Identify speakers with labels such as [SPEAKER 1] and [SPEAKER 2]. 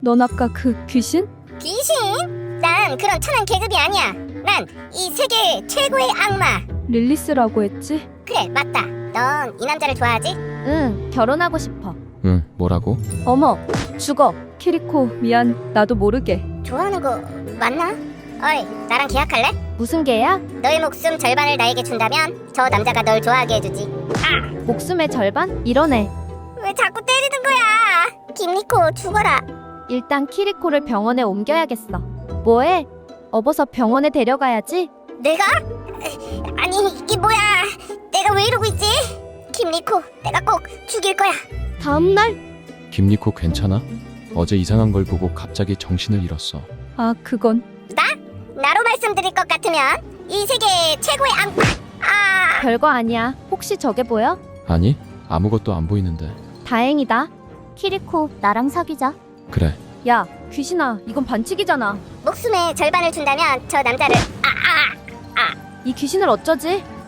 [SPEAKER 1] 넌 아까 그 귀신?
[SPEAKER 2] 귀신? 난 그런 천한 계급이 아니야. 난 이 세계 최고의 악마.
[SPEAKER 1] 릴리스라고 했지?
[SPEAKER 2] 그래, 맞다. 넌 이 남자를 좋아하지?
[SPEAKER 3] 응, 결혼하고 싶어.
[SPEAKER 4] 응, 뭐라고?
[SPEAKER 1] 어머, 죽어. 키리코, 미안. 나도 모르게.
[SPEAKER 2] 좋아하는 거 맞나? 어이, 나랑 계약할래?
[SPEAKER 3] 무슨 개야?
[SPEAKER 2] 너의 목숨 절반을 나에게 준다면 저 남자가 널 좋아하게 해주지.
[SPEAKER 3] 목숨의 절반? 이러네.
[SPEAKER 2] 왜 자꾸 때리는 거야? 김리코, 죽어라.
[SPEAKER 3] 일단 키리코를 병원에 옮겨야겠어. 뭐해? 업어서 병원에 데려가야지.
[SPEAKER 2] 내가? 아니, 이게 뭐야? 내가 왜 이러고 있지? 김리코, 내가 꼭 죽일 거야.
[SPEAKER 3] 다음날?
[SPEAKER 4] 김리코 괜찮아? 어제 이상한 걸 보고 갑자기 정신을 잃었어.
[SPEAKER 1] 아, 그건
[SPEAKER 2] 나로 말씀드릴 것 같으면 이 세계 최고의 악마.
[SPEAKER 3] 별거 아니야. 혹시 저게 보여?
[SPEAKER 4] 아니, 아무것도 안 보이는데.
[SPEAKER 3] 다행이다. 키리코, 나랑 사귀자.
[SPEAKER 4] 그래,
[SPEAKER 1] 야, 귀신아. 이건 반칙이잖아.
[SPEAKER 2] 목숨의 절반을 준다면 저 남자를
[SPEAKER 1] 이 귀신을 어쩌지?